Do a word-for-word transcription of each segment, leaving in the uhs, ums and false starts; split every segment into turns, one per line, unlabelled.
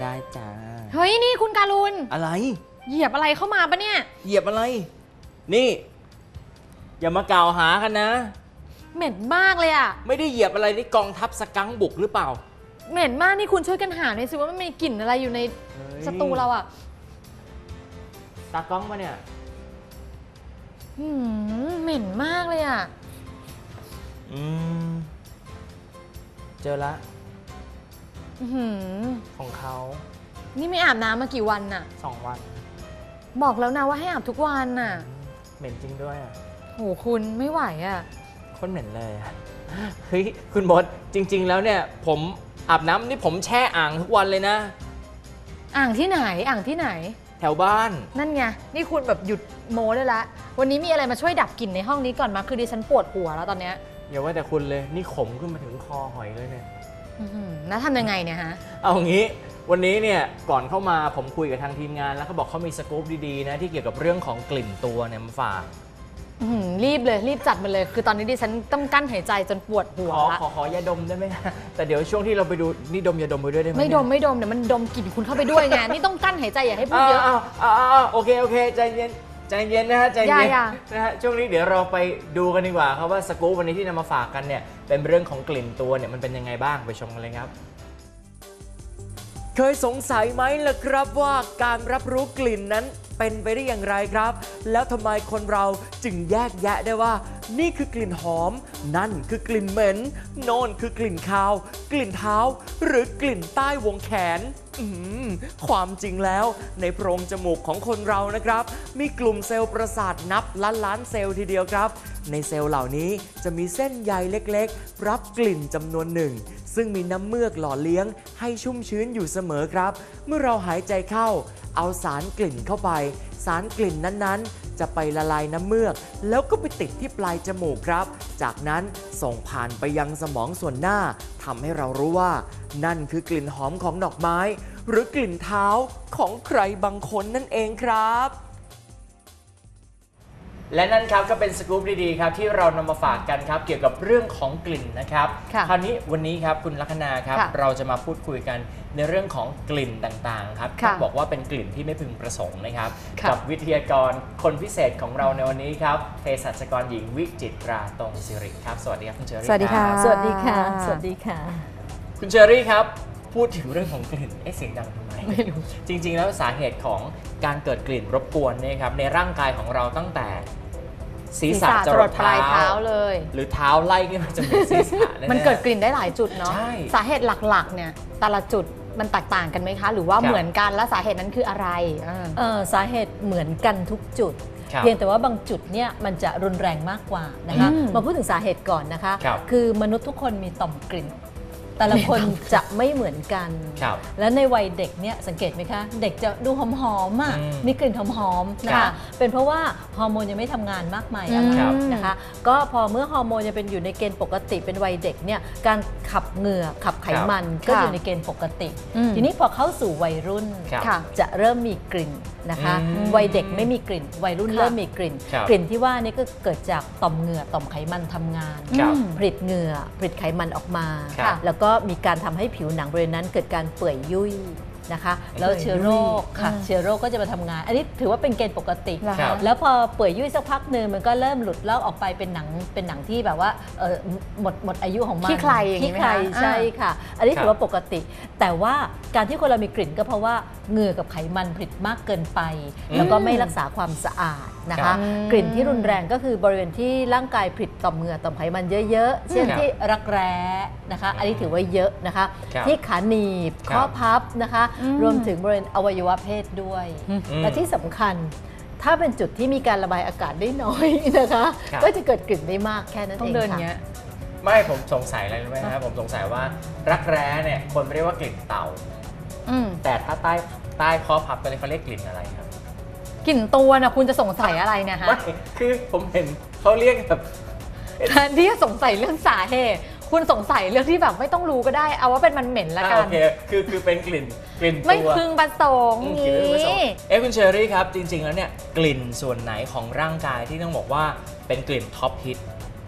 ได้จ้า
เฮ้ยนี่คุณการุณ
อะไร
เหยียบอะไรเข้ามาปะเนี่ย
เหยียบอะไรนี่อย่ามากล่าวหากันนะ
เหม็นมากเลยอ่ะ
ไม่ได้เหยียบอะไรนี่กองทัพสกังบุกหรือเปล่า
เหม็นมากนี่คุณช่วยกันหาหน่อยสิว่ามันมีกลิ่นอะไรอยู่ในสตูเราอ่ะ
ตากล้องมาเนี่ย
หืมเหม็นมากเลยอ่ะ
อืมเจอละ
หืม
ของเขา
นี่ไม่อาบน้ำมากี่วันน่ะ
สองวัน
บอกแล้วนะว่าให้อาบทุกวันน่ะ
เหม็นจริงด้วยอ่ะ
โหคุณไม่ไหวอ่ะ
คนเหม็นเลยอ่ะเฮ้ยคุณมดจริงๆแล้วเนี่ยผมอาบน้ำนี่ผมแช่อ่างทุกวันเลยนะ
อ่างที่ไหนอ่างที่ไหน
แถวบ้าน
นั่นไงนี่คุณแบบหยุดโม้ได้ละวันนี้มีอะไรมาช่วยดับกลิ่นในห้องนี้ก่อนมาคือดิฉันปวดหัวแล้วตอนเนี้ย
อย่าว่าแต่คุณเลยนี่ขมขึ้นมาถึงคอหอยเลยเนี่ย
แล้วทำยังไงเนี่ยฮะ
เอางี้วันนี้เนี่ยก่อนเข้ามาผมคุยกับทางทีมงานแล้วเขาบอกเขามีสกู๊ปดีๆนะที่เกี่ยวกับเรื่องของกลิ่นตัวเนี่ยมาฝาก
รีบเลยรีบจัดมาเลยคือตอนนี้ดิฉันต้องกั้นหายใจจนปวดหัว
ขอขอขอยาดมได้ไหมแต่เดี๋ยวช่วงที่เราไปดูนี่ดมยาดมไปด้วยได้ไหม
ไม่ดมไม่ดมเดี๋ยวมันดมกลิ่นคุณเข้าไปด้วยไงนี่ต้องกั้นหายใจอย่าให้พูดเยอะ
อ้าวอ้าวโอเคโอเคใจเย็นใจเย็นนะฮะใจเย็นนะฮะช่วงนี้เดี๋ยวเราไปดูกันดีกว่าครับว่าสกู๊ปวันนี้ที่นำมาฝากกันเนี่ยเป็นเรื่องของกลิ่นตัวเนี่ยมันเป็นยังไงบ้างไปชมกันเลยครับเคยสงสัยไหมล่ะครับว่าการรับรู้กลิ่นนั้นเป็นไปได้อย่างไรครับแล้วทำไมคนเราจึงแยกแยะได้ว่านี่คือกลิ่นหอมนั่นคือกลิ่นเหม็นโน่นคือกลิ่นคาวกลิ่นเท้าหรือกลิ่นใต้วงแขนอืมความจริงแล้วในโพรงจมูกของคนเรานะครับมีกลุ่มเซลล์ประสาทนับล้านล้านเซลล์ทีเดียวครับในเซลล์เหล่านี้จะมีเส้นใยเล็กๆรับกลิ่นจำนวนหนึ่งซึ่งมีน้ำเมือกหล่อเลี้ยงให้ชุ่มชื้นอยู่เสมอครับเมื่อเราหายใจเข้าเอาสารกลิ่นเข้าไปสารกลิ่นนั้นๆจะไปละลายน้ำเมือกแล้วก็ไปติดที่ปลายจมูกครับจากนั้นส่งผ่านไปยังสมองส่วนหน้าทำให้เรารู้ว่านั่นคือกลิ่นหอมของดอกไม้หรือกลิ่นเท้าของใครบางคนนั่นเองครับและนั่นครับก็เป็นสกู๊ปดีๆครับที่เรานำมาฝากกันครับเกี่ยวกับเรื่องของกลิ่นนะครับคราวนี้วันนี้ครับคุณลัคนาครับเราจะมาพูดคุยกันในเรื่องของกลิ่นต่างๆครับต้องบอกว่าเป็นกลิ่นที่ไม่พึงประสงค์นะครับกับวิทยากรคนพิเศษของเราในวันนี้ครับเภสัชกรหญิงวิจิตราตรงศิริครับสวัสดีครับคุณเชอรี่
สวัสดีค่ะ
สวัสดีค่ะสวัสดีค่ะ
คุณเชอรี่ครับพูดถึงเรื่องของกลิ่นเอ๊ะเสียงดังทำไมไม่รู้จริงๆแล้วสาเหตุของการเกิดกลิ่นรบกวนเนี่ยครับในร่างกายของเราตั้งแต่ศีรษะจรดปลายเท้า
เลย
หรือเท้าไล่ขึ้นมาจนถึงศีรษะ
มันเกิดกลิ่นได้หลายจุดเนาะ
ใช่
สาเหตุหลักๆเนี่ยแต่ละจุดมันแตกต่างกันไหมคะหรือว่าเหมือนกันและสาเหตุนั้นคืออะไร
เออสาเหตุเหมือนกันทุกจุดเพียงแต่ว่าบางจุดเนี่ยมันจะรุนแรงมากกว่านะคะมาพูดถึงสาเหตุก่อนนะคะคือมนุษย์ทุกคนมีต่อมกลิ่นแต่ละคนจะไม่เหมือนกันและในวัยเด็กเนี่ยสังเกตไหมคะเด็กจะดูหอมๆอ่ะมีกลิ่นหอมๆนะคะเป็นเพราะว่าฮอร์โมนยังไม่ทำงานมากมายอะไรนะคะก็พอเมื่อฮอร์โมนยังเป็นอยู่ในเกณฑ์ปกติเป็นวัยเด็กเนี่ยการขับเหงื่อขับไขมันก็อยู่ในเกณฑ์ปกติทีนี้พอเข้าสู่วัยรุ่นจะเริ่มมีกลิ่นนะคะวัยเด็กไม่มีกลิ่นวัยรุ่นเริ่มมีกลิ่นกลิ่นที่ว่านี่ก็เกิดจากต่อมเหงื่อต่อมไขมันทำงานผลิตเหงื่อผลิตไขมันออกมาแล้วก็มีการทำให้ผิวหนังบริเวณนั้นเกิดการเปื่อยยุ่ยนะคะแล้วเชื้อโรคค่ะเชื้อโรคก็จะมาทำงานอันนี้ถือว่าเป็นเกณฑ์ปกติแล้วพอเปื่อยยุ่ยสักพักหนึ่งมันก็เริ่มหลุดลอกออกไปเป็นหนังเป็นหนังที่แบบว่าหมดหมดอายุของมัน
ขี้ใครอย่างนี้ไหมคะ
ใช่ค่ะอันนี้ถือว่าปกติแต่ว่าการที่คนเรามีกลิ่นก็เพราะว่าเหงื่อกับไขมันผลิตมากเกินไปแล้วก็ไม่รักษาความสะอาดนะคะกลิ่นที่รุนแรงก็คือบริเวณที่ร่างกายผลิตต่อมเหงื่อต่อมไขมันเยอะๆเช่นที่รักแร้นะคะอันนี้ถือว่าเยอะนะคะที่ขาหนีบข้อพับนะคะรวมถึงบริเวณอวัยวะเพศด้วยและที่สำคัญถ้าเป็นจุดที่มีการระบายอากาศได้น้อยนะคะก็จะเกิดกลิ่นได้มากแค่นั้นเองค่ะ
ไม่ผมสงสัยอะไรรู้ไหมครับผมสงสัยว่ารักแร้เนี่ยคนเรียกว่ากลิ่นเต่าแต่ถ้าใต้ใต้ข้อพับกันเลยเขาเรียกกลิ่นอะไรครับ
กลิ่นตัวนะคุณจะสงสัยอะไรเนี่ยฮะ
ไม่คือผมเห็นเขาเรียกแบบ
แทนที่จะสงสัยเรื่องสาเหตุคุณสงสัยเรื่องที่แบบไม่ต้องรู้ก็ได้เอาว่าเป็นมันเหม็นละกัน
โอเคคือคือเป็นกลิ่นกลิ่นตัว
ไม่พึงประสงค์นี้
เอ๊ะคุณเชอรี่ครับจริงๆแล้วเนี่ยกลิ่นส่วนไหนของร่างกายที่ต้องบอกว่าเป็นกลิ่นท็อปฮิต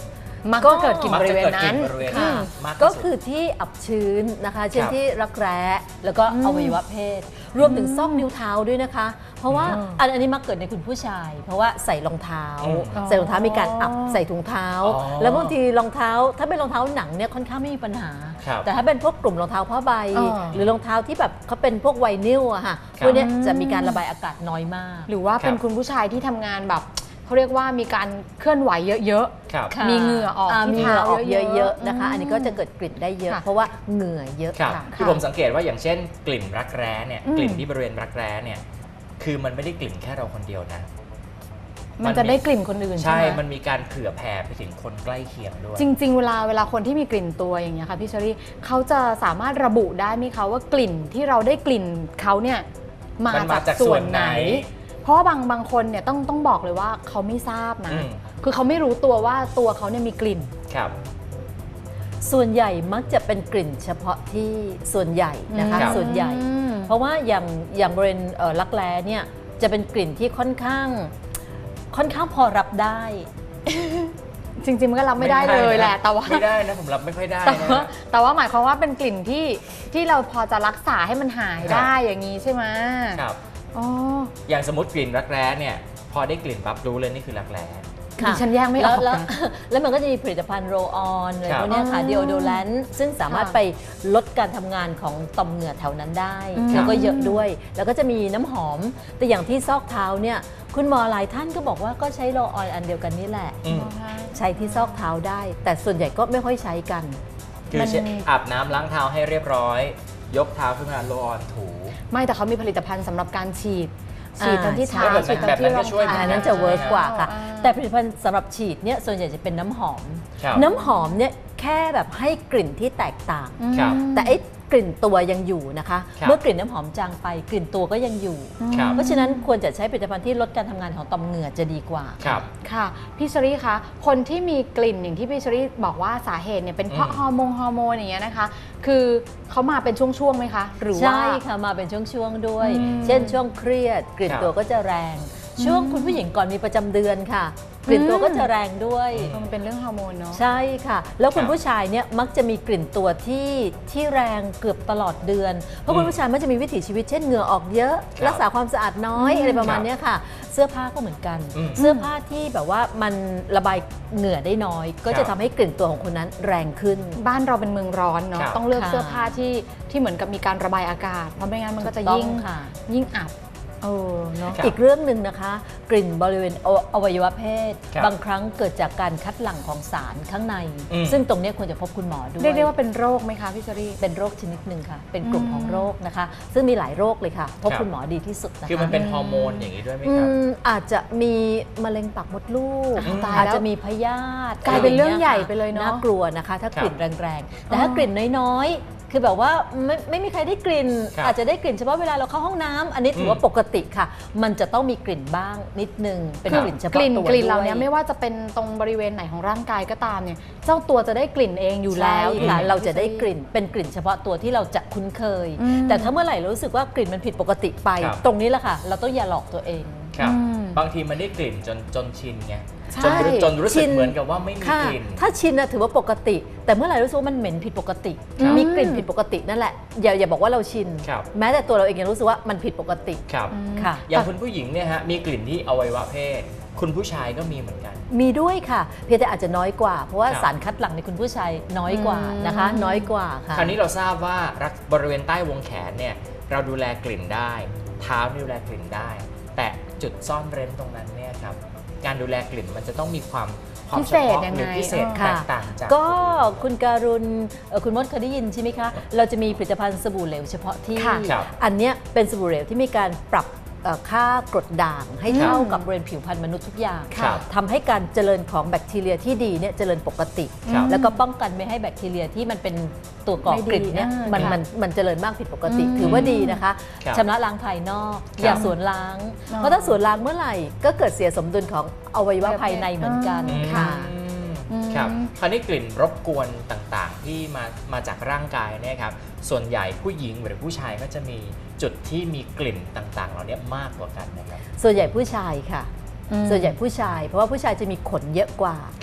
มักจะเกิดกลิ่นบริเวณนั้น
มักจะเกิดกลิ่นบริเวณ
ค่ะ
มากที่สุด
ก็คือที่อับชื้นนะคะ เช่น
ครับ
ที่รักแร้แล้วก็อวัยวะเพศ รวมถึงซอกนิ้วเท้าด้วยนะคะ เพราะว่า
อืม
อันอันนี้มักเกิดในคุณผู้ชาย เพราะว่าใส่รองเท้า
อืม
ใส่รองเท้ามีการอับใส่ถุงเท้า
อ๋อ
แล้วบางทีรองเท้าถ้าเป็นรองเท้าหนังเนี่ยค่อนข้างไม่มีปัญหา
ครับ
แต่ถ้าเป็นพวกกลุ่มรองเท้าผ้าใบ
อ๋อ
หรือรองเท้าที่แบบเขาเป็นพวกไวนิลอะค่ะ
ครับ
พวกเนี้ยจะมีการระบายอากาศน้อยมาก
หรือว่าเป็น
ครับ
คุณผู้ชายที่ทำงานแบบเขาเรียกว่ามีการเคลื่อนไหวเยอะ
ครับ
ค่ะ
มีเหงื่อออกที่
มีเหงื่อออก
เท้าเยอะๆ
เยอะๆนะคะ
อืม
อันนี้ก็จะเกิดกลิ่นได้เยอะ
ค่ะ
เพราะว่าเหงื่อเยอะ
ครับ
ค่ะ
คือผมสังเกตว่าอย่างเช่น กลิ่นรักแร้เนี่ย
อืม
กลิ่นที่บริเวณรักแร้เนี่ยคือมันไม่ได้กลิ่นแค่เราคนเดียวนะ
ๆ มันจะได้กลิ่นคนอื่นใช่
ใช่
ไหม
มันมีการเผื่อแผ่ไปถึงคนใกล้เคียงด้วย
จริง ๆ เวลาเวลาคนที่มีกลิ่นตัวอย่างเงี้ยค่ะพี่เชอรี่เขาจะสามารถระบุได้ไหมคะว่ากลิ่นที่เราได้กลิ่นเขาเนี่ยมา
มันมา
จาก
จาก
ส่วน
ส่วน
ไหน
ไหน
เพราะว่าบางบางคนเนี่ยต้องต้องบอกเลยว่าเขาไม่ทราบนะ
อืม
คือเขาไม่รู้ตัวว่าตัวเขาเนี่ยมีกลิ่น
ครับ
ส่วนใหญ่มักจะเป็นกลิ่นเฉพาะที่ส่วนใหญ่นะคะ
ครับ
ส่วนใหญ่
อืม
เพราะว่าอย่างอย่างบริเวณเอ่อรักแร้เนี่ยจะเป็นกลิ่นที่ค่อนข้างค่อนข้างพอรับได้
จริงๆมันก็รับไม่ได้เลยแหละ แต่ว่า
ไม่ได้นะผมรับไม่ค่อยได้
แต่
นะ
ว่าแต่ว่าหมายความว่าเป็นกลิ่นที่ที่เราพอจะรักษาให้มันหาย
ครับ
ได้อย่างนี้ใช่ไหม
ครับ
อ๋อ
อย่างสมมติกลิ่นรักแร้เนี่ยพอได้กลิ่นปั๊บรู้เลยนี่คือรักแร้
ดิฉันแยกไม่อ
แล้
อ
ว
ก
แล้ว
นะ
แล้วมันก็จะมีผลิตภัณฑ์โรลออนอะไร
ครับ
พวกเนี้ยค่ะ
อ๋อ
ดีโอโดแลนซ์ซึ่งสามารถ
ค่ะ
ไปลดการทำงานของต่อมเหงื่อแถวนั้นได้
อืม
แล้วก็เยอะด้วย แล้วก็จะมีน้ำหอม แต่อย่างที่ซอกเท้าเนี่ยคุณหมอหลายท่านก็บอกว่าก็ใช้โรลออนอันเดียวกันนี่แหละ
อืม
ใช้ที่ซอกเท้าได้ แต่ส่วนใหญ่ก็ไม่ค่อยใช้กัน
คือ
มัน
เช็ดอาบน้ำล้างเท้าให้เรียบร้อย ยกเท้าขึ้นมาโรลออนถู
ไม่แต่เขามีผลิตภัณฑ์สำหรับการฉีด ฉีด
อ่า
ทั้งที่เท้า
แบบนั้น
ฉีดทั้งที่รอง
แบบนั้นก็ช่วย
เท้า
อันนั้นจะเวิร์กกว่าค่ะ
อ่า
แต่ผลิตภัณฑ์สำหรับฉีดเนี่ยส่วนใหญ่จะเป็นน้ำหอม
ครับ
น้ำหอมเนี่ยแค่แบบให้กลิ่นที่แตกต่าง
ครับ
แต่ไอ้กลิ่นตัวยังอยู่นะคะ
ครับ
เมื่อกลิ่นน้ำหอมจางไปกลิ่นตัวก็ยังอยู่
ครับ
เพราะฉะนั้นควรจะใช้ผลิตภัณฑ์ที่ลดการทำงานของต่อมเหงื่อจะดีกว่า
ครับ
ค่ะพี่เชอรี่คะคนที่มีกลิ่นอย่างที่พี่เชอรี่บอกว่าสาเหตุเนี่ยเป็นเพราะ
อืม
ฮอร์โมนฮอร์โมนอย่างเงี้ยนะคะ คือเขามาเป็นช่วงๆไหมคะ หรือว่า
ใช่ค่ะมาเป็นช่วงๆด้วย
อืม
เช่นช่วงเครียด กลิ่น
ครับ
ตัวก็จะแรง ช่วงคุณผู้หญิงก่อนมีประจำเดือนค่ะ กลิ่นตัวก็จะแรงด้วย
มันเป็นเรื่องฮอร์โมนเนาะ
ใช่ค่ะ แล้วคุณ
ครับ
ผู้ชายเนี่ยมักจะมีกลิ่นตัวที่ที่แรงเกือบตลอดเดือน เพราะคุณผู้ชายมักจะมีวิถีชีวิตเช่นเหงื่อออกเยอะ
ครับ
รักษาความสะอาดน้อย
อืม
อะไรประมาณเนี้ยค่ะ เสื้อผ้าก็เหมือนกัน
อืม
เสื้อผ้าที่แบบว่ามันระบายเหงื่อได้น้อย ก็
ครั
จะ
บ
ทำให้กลิ่นตัวของคนนั้นแรงขึ้น
บ้านเราเป็นเมืองร้อนเนาะ
ครับ
ต้องเลือก
ค่ะ
เสื้อผ้าที่ที่เหมือนกับมีการระบายอากาศ เพราะไม่งั้นมันก็จะ
ถูกต้อง
ยิ่ง
ค่ะ
ยิ่งอับเออเนาะ
ครับ
อีกเรื่องหนึ่งนะคะ กลิ่นบริเวณออวัยวะเพศ
ครับ
บางครั้งเกิดจากการคัดหลั่งของสารข้างใน
อืม
ซึ่งตรงเนี้ยควรจะพบคุณหมอด้วย
เรียกได้ว่าเป็นโรคไหมคะพี่เชอรี่
เป็นโรคชนิดหนึ่งค่ะ เป็นกลุ่ม
อืม
ของโรคนะคะ ซึ่งมีหลายโรคเลยค่ะ พบ
ครับ
คุณหมอดีที่สุดนะคะ
คือมันเป็นฮอร์โมนอย่างนี้ด้วยไหม
อื
ครับ
มอาจจะมีมะเร็งปากมดลูก
อืมตายแล้ว
อาจจะมีพยาธิ
กลายเป็นเรื่อง
ะไ
ใหญ่ไปเลยเนอะ
น่ากลัวนะคะ ถ้ากลิ่น
ครับ
แรงๆ แต่ถ้ากลิ่นน้อยๆ คือแบบว่าไม่ไม่มีใครได้กลิ่น
ครับ
อาจจะได้กลิ่นเฉพาะเวลาเราเข้าห้องน้ำอันนี้ถือว่า
อืม
ปกติค่ะ มันจะต้องมีกลิ่นบ้างนิดนึง เป็น
ครับ
กลิ่นเฉ
ก
พาะ
ลิ่น
ตัว
กลิ่นเหล่า
ด้วย
นี้ไม่ว่าจะเป็นตรงบริเวณไหนของร่างกายก็ตามเนี่ย เจ้าตัวจะได้กลิ่นเองอยู่แล้ว
ใช่ค่ะ
อืม
เราจะได้กลิ่นเป็นกลิ่นเฉพาะตัวที่เราจะคุ้นเคย
อืม
แต่ถ้าเมื่อไหร่เรารู้สึกว่ากลิ่นมันผิดปกติไป
ครับ
ตรงนี้แหละค่ะ เราต้องอย่าหลอกตัวเอง
ครับ
อืม
บางทีมันได้กลิ่นจนจนชินไง
ใช่
จนรู้จนรู้สึ
ชิ
ก
น
เหมือนกับว่าไม่มี
ค่ะ
กลิ่น
ถ้าชินนะถือว่าปกติ แต่เมื่อไหร่รู้สึกว่ามันเหม็นผิดปกติ
ครับ
มีกลิ่นผิดปกตินั่นแหละอย่าอย่าบอกว่าเราชิน
ครับ
แม้แต่ตัวเราเองยังรู้สึกว่ามันผิดปกติ
ครับ
ค่ะ
อย่างคุณผู้หญิงเนี่ยฮะมีกลิ่นที่อวัยวะเพศ คุณผู้ชายก็มีเหมือนกัน
มีด้วยค่ะ เพียงแต่อาจจะน้อยกว่า เพราะว่า
ครับ
สารคัดหลั่งในคุณผู้ชายน้อยกว่านะคะ
อืม
น้อยกว่าค่ะ
คราวนี้เราทราบว่ารักบริเวณใต้วงแขนเนี่ยเราดูแลกลิ่นได้ เท้าดูแลกลิ่นได้ แต่จุดซ่อนเร้นตรงนั้นเนี่ยครับการดูแลกลิ่นมันจะต้องมีความความ
พิเศษ
ฉพาะ
ยัง
หรือ
ไง
พิเศษ
เออ
แต
ค่ะ
กต่างจาก
ก็คุณการุณเอ่อคุณมดเคยได้ยินใช่ไหมคะ เราจะมีผลิตภัณฑ์สบู่เหลวเฉพาะที่
ค่ะ
ครับ
อันเนี้ยเป็นสบู่เหลวที่มีการปรับเอ่อค่ากรดด่างให้เท่ากับบริเวณผิวพรรณมนุษย์ทุกอย่าง
ครับ
ทำให้การเจริญของแบคทีเรียที่ดีเนี่ยเจริญปกติ
ครับ
แล้วก็ป้องกันไม่ให้แบคทีเรียที่มันเป็นตัวก่อกลิ่นเนี่ย
ไม่ดี
มัน
อ่ามั
มันมันเจริญมากผิดปกติ
อืม
ถือว่าดีนะคะ
ครับ
ชำระล้างภายนอก
ครับ
อย่าสวนล้าง
อ๋อ
เพราะถ้าสวนล้างเมื่อไหร่ก็เกิดเสียสมดุลของอวัยวะภายในเหมือนกัน
อืม
ค่ะ
ครับคราวนี้กลิ่นรบกวนต่างๆ ที่มามาจากร่างกายเนี่ยครับส่วนใหญ่ผู้หญิงหรือผู้ชายก็จะมีจุดที่มีกลิ่นต่างๆ เหล่านี้มากกว่ากันนะครับ
ส่วนใหญ่ผู้ชายค่ะ
อืม
ส่วนใหญ่ผู้ชาย เพราะว่าผู้ชายจะมีขนเยอะกว่า
ครับ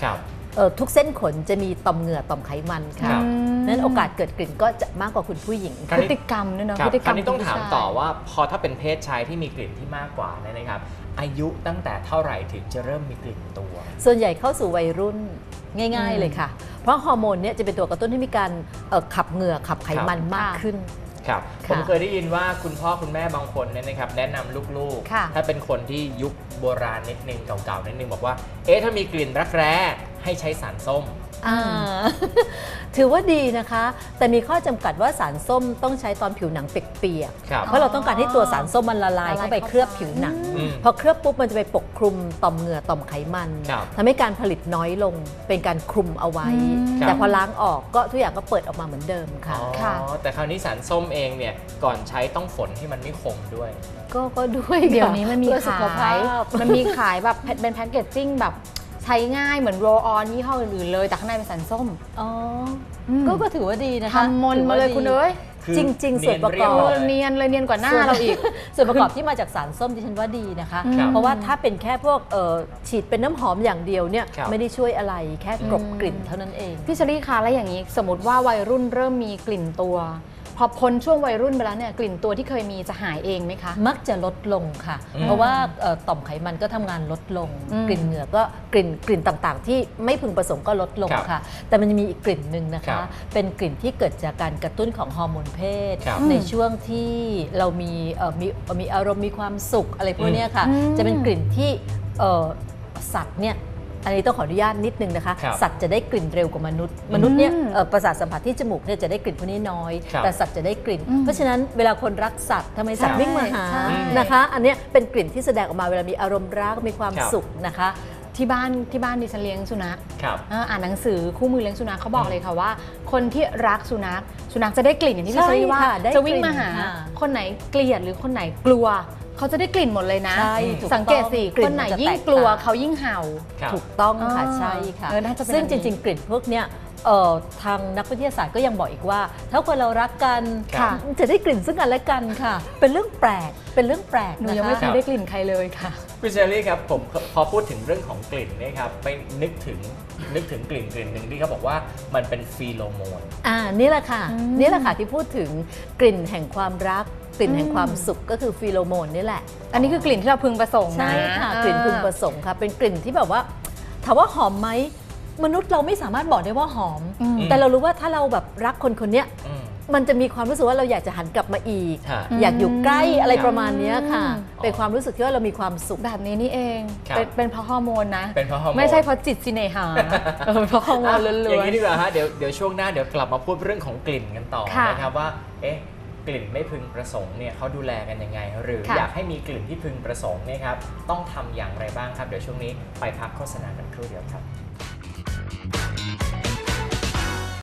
เอ่อทุกเส้นขนจะมีต่อมเหงื่อต่อมไขมันค่ะ
ครับ
นั้นโอกาสเกิดกลิ่นก็จะมากกว่าคุณผู้หญิง
ครั
พ
บ
ฤติกรรมด้วยเนาะ
ครับ
พฤติก
ค
ร
ราร ว
ม
นี้ต้องถาม
ขผู้ชย
ต่อว่าพอถ้าเป็นเพศชายที่มีกลิ่นที่มากกว่าเนี่ยนะครับ อายุตั้งแต่เท่าไหร่ถึงจะเริ่มมีกลิ่นตัว
ส่วนใหญ่เข้าสู่วัยรุ่นง่าย
อืม
ๆเลยค่ะ เพราะฮอร์โมนเนี่ยจะเป็นตัวกระตุ้นให้มีการเอ่อขับเหงื่อขับไขมันมากขึ้น
ครับ
ค่ะ
ผมเคยได้ยินว่าคุณพ่อคุณแม่บางคนเนี่ยนะครับแนะนำลูก
ค่ะ
ๆ ถ้าเป็นคนที่ยุคโบราณนิดนึงเก่าๆนิดนึงบอกว่าเอ๊ะถ้ามีกลิ่นรักแร้ให้ใช้สารส้ม
อ่า ถือว่าดีนะคะ แต่มีข้อจำกัดว่าสารส้มต้องใช้ตอนผิวหนังเปียก
ครับ
ๆเพราะเราต้องการให้ตัวสารส้มมันละลาย
ละลาย
เข้าไป
เข้าไป
เคลือบผิวหนัง
อืม
พอเคลือบปุ๊บมันจะไปปกคลุมต่อมเหงื่อต่อมไขมัน
ครับ
ทำให้การผลิตน้อยลงเป็นการคลุมเอาไว้
อืม
แต่พอล้างออกก็ทุกอย่างก็เปิดออกมาเหมือนเดิมค่ะ
อ๋อ
ค่ะ
แต่คราวนี้สารส้มเองเนี่ยก่อนใช้ต้องฝนให้มันไม่คมด้วย
ก็ก็ด้วย
เดี๋ยวนี้มันมี
เพื่อสุ
ขา
ขภาย พ
มันมีขายแบบเป็นแพ็กเกจจิ้งแบบใช้ง่ายเหมือนโรลออนยี่ห้ออื่นๆเลย แต่ข้างในเป็นสารส้ม
อ๋อ
อืม
ก็ก็ถือว่าดีนะคะ
ทำมนต์มาเลย
ถือว่าดี
คุณเอ้ย
คือ
จริงๆส่วนประกอบ
เนียนเรียบร้อย
เนียนเลยเนียนกว่าหน้าเราอีก
ส่วนประกอบที่มาจากสารส้มดิฉันว่าดีนะคะ
ครับ
เพราะว่าถ้าเป็นแค่พวกเอ่อฉีดเป็นน้ำหอมอย่างเดียวเนี่ย
ครับ
ไม่ได้ช่วยอะไรแค่กลบ
อืม
กลิ่นเท่านั้นเอง
พี่เชอรี่คะแล้วอย่างนี้สมมติว่าวัยรุ่นเริ่มมีกลิ่นตัว พอพ้นช่วงวัยรุ่นไปแล้วเนี่ยกลิ่นตัวที่เคยมีจะหายเองไหมคะ
มักจะลดลงค่ะ
อืม
เพราะว่าเอ่อต่อมไขมันก็ทำงานลดลง
อืม
กลิ่นเหงื่อก็กลิ่นกลิ่นต่างๆ ที่ไม่พึงประสงค์ก็ลดลง
ครับ
ค่ะ แต่มันจะมีอีกกลิ่นหนึ่งนะ
ครั
คะ
บ
เป็นกลิ่นที่เกิดจากการกระตุ้นของฮอร์โมนเพศ
ครับ
ในช่วงที่เรามีเอ่อมีมีอารมณ์มีความสุขอะไรพวกเนี้ยค่ะ
อืม
จะเป็นกลิ่นที่เอ่อสัตว์เนี่ยอันนี้ต้องขออนุญาตนิดนึงนะคะ
ครับ
สัตว์จะได้กลิ่นเร็วกว่ามนุษย์ มนุษย์เนี่ย
อืม
เอ่อประสาทสัมผัสที่จมูกเนี่ยจะได้กลิ่นพวกนี้น้อย
ครับ
แต่สัตว์จะได้กลิ่น
อืม
เพราะฉะนั้นเวลาคนรักสัตว์ทำไมสัตว์
ใช่
วิ่งมาหา
ใช่
นะคะ อันเนี้ยเป็นกลิ่นที่แสดงออกมาเวลามีอารมณ์รักมีความ
ครับ
สุขนะคะ
ที่บ้านที่บ้านดิฉันเลี้ยงสุนัข
ครับ
อ่าอ่านหนังสือคู่มือเลี้ยงสุนัขเขาบอกเลยค่ะว่า คนที่รักสุนัขสุนัขจะได้กลิ่นอย่างที่พี่
ใช่
เชอรี่ว่า
ค่ะได้
จะวิ่งมาหา
กลิ่นค่ะ
คนไหนเกลียดหรือคนไหนกลัว เขาจะได้กลิ่นหมดเลยนะ
ใช่ถูก
สังเกตสิ
ต้องกลิ่
คน นไหน
มันจะ
ยิ่ง
แตก
กลัว
ต่าง
เขายิ่งเห่า
ครับ
ถูกต้องค่ะ
อ่า
ใช่ค่ะ
เออน่าจะเป็น
ซึ่ง
อัน
จ
นี้
ริง ๆ กลิ่นพวกเนี้ยเอ่อทางนักวิทยาศาสตร์ก็ยังบอกอีกว่า ถ้าคนเรารักกัน
ค่ะ
จะได้กลิ่นซึ่งกันและกันค่ะ เป็นเรื่องแปลกเป็นเรื่องแปลก
หนู
นะคะ
ยังไม่เคยได้กลิ่นใครเลยค่ะ
พี่เชอรี่ครับผมพอพูดถึงเรื่องของกลิ่นเนี่ยครับไปนึกถึงนึกถึงกลิ่นกลิ่นหนึ่งที่เขาบอกว่ามันเป็นฟีโรโมน
อ่านี่แหละค่ะ
อืม
นี่แหละค่ะที่พูดถึงกลิ่นแห่งความรัก กลิ่นแห่ง
อืม
ความสุขก็คือฟีโรโมนนี่แหละ
อันนี้คือกลิ่นที่เราพึงประสงค์นะ
ใช่ค่ะ
อ่าก
ลิ่นพึงประสงค์ค่ะเป็นกลิ่นที่แบบว่าถามว่าหอมไหมมนุษย์เราไม่สามารถบอกได้ว่าหอม
อืม
แต่เรารู้ว่าถ้าเราแบบรักคนคนเนี้ย
อืม
มันจะมีความรู้สึกว่าเราอยากจะหันกลับมาอีก
ฮะ
อยากอยู่ใกล้อะไร
ครับ
ประมาณเนี้ยค่ะ
อืม
เป็นความรู้สึกที่ว่าเรามีความสุข
แบบนี้นี่เอง
ครับ
เป็นเป็นเพราะฮอร์โมนนะ
เป็นเพราะฮอร์โมน
ไม่ใช่เพราะจิตสิเนหาเออเพราะฮอร์โมนล้
อ
ว
ย่าง
น
นี้ดีกว่าฮะเดี๋ยวเดี๋ยวช่วงหน้าเดี๋ยวกลับมาพูดเรื่องของกลิ่นกันต่อ
ค่ะ
นะครับว่าเอ๊ะกลิ่นไม่พึงประสงค์เนี่ยเขาดูแลกันยังไง หรือ
ค่ะ
อยากให้มีกลิ่นที่พึงประสงค์เนี่ยครับต้องทำอย่างไรบ้างครับเดี๋ยวช่วงนี้ไปพักโฆษณากันครู่เดียวครับ